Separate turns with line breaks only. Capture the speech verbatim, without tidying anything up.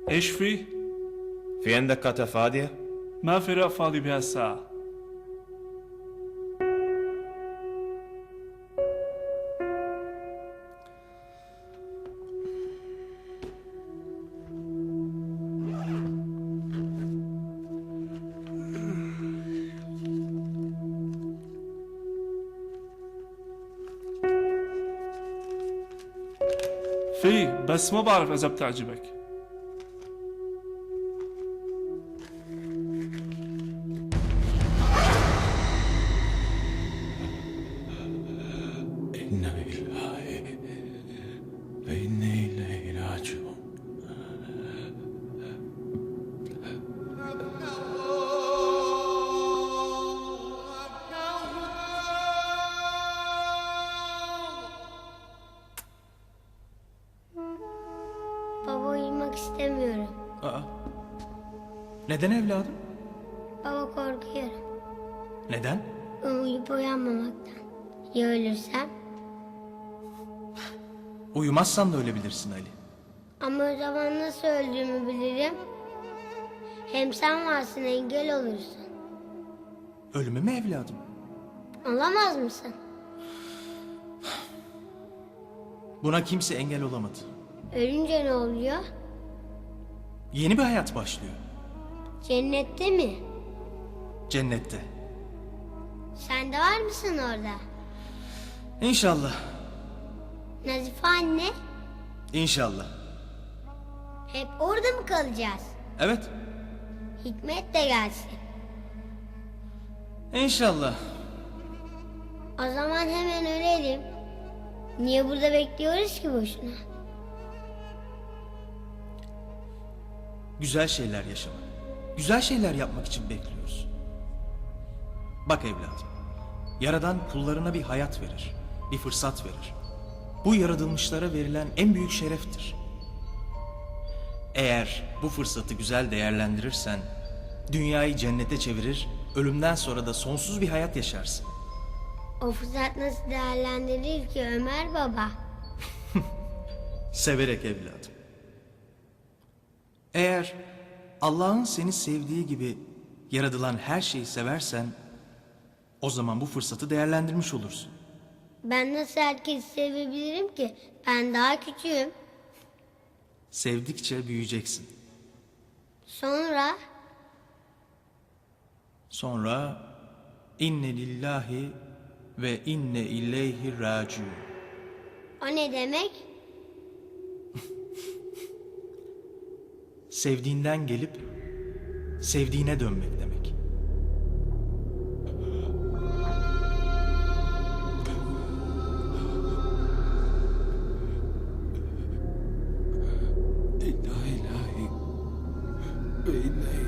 ايش في؟
في عندك قطعة فاضية؟
ما في رق فاضي بهالساعة. في بس ما بعرف إذا بتعجبك.
İnna lillahi ve inna ileyhi raciun.
Baba uyumak istemiyorum.
Aa, neden evladım?
Baba korkuyorum.
Neden?
Uyuyup uyanmamaktan. Ya ölürsem?
Uyumazsan da ölebilirsin Ali.
Ama o zaman nasıl öldüğümü bilirim. Hem sen varsın, engel olursun.
Ölümü mü evladım?
Olamaz mısın?
Buna kimse engel olamadı.
Ölünce ne oluyor?
Yeni bir hayat başlıyor.
Cennette mi?
Cennette.
Sen de var mısın orada?
İnşallah.
Nazife anne,
İnşallah.
hep orada mı kalacağız?
Evet.
Hikmet de gelsin.
İnşallah.
O zaman hemen ölelim. Niye burada bekliyoruz ki boşuna?
Güzel şeyler yaşamak, güzel şeyler yapmak için bekliyoruz. Bak evladım, Yaradan kullarına bir hayat verir, bir fırsat verir. Bu yaratılmışlara verilen en büyük şereftir. Eğer bu fırsatı güzel değerlendirirsen, dünyayı cennete çevirir, ölümden sonra da sonsuz bir hayat yaşarsın.
O fırsat nasıl değerlendirilir ki Ömer baba?
Severek evladım. Eğer Allah'ın seni sevdiği gibi yaratılan her şeyi seversen, o zaman bu fırsatı değerlendirmiş olursun.
Ben nasıl herkesi sevebilirim ki? Ben daha küçüğüm.
Sevdikçe büyüyeceksin.
Sonra
Sonra inne lillahi ve inne ileyhi raciun.
o ne demek?
Sevdiğinden gelip sevdiğine dönmek demek.
İnna ilahi ve inna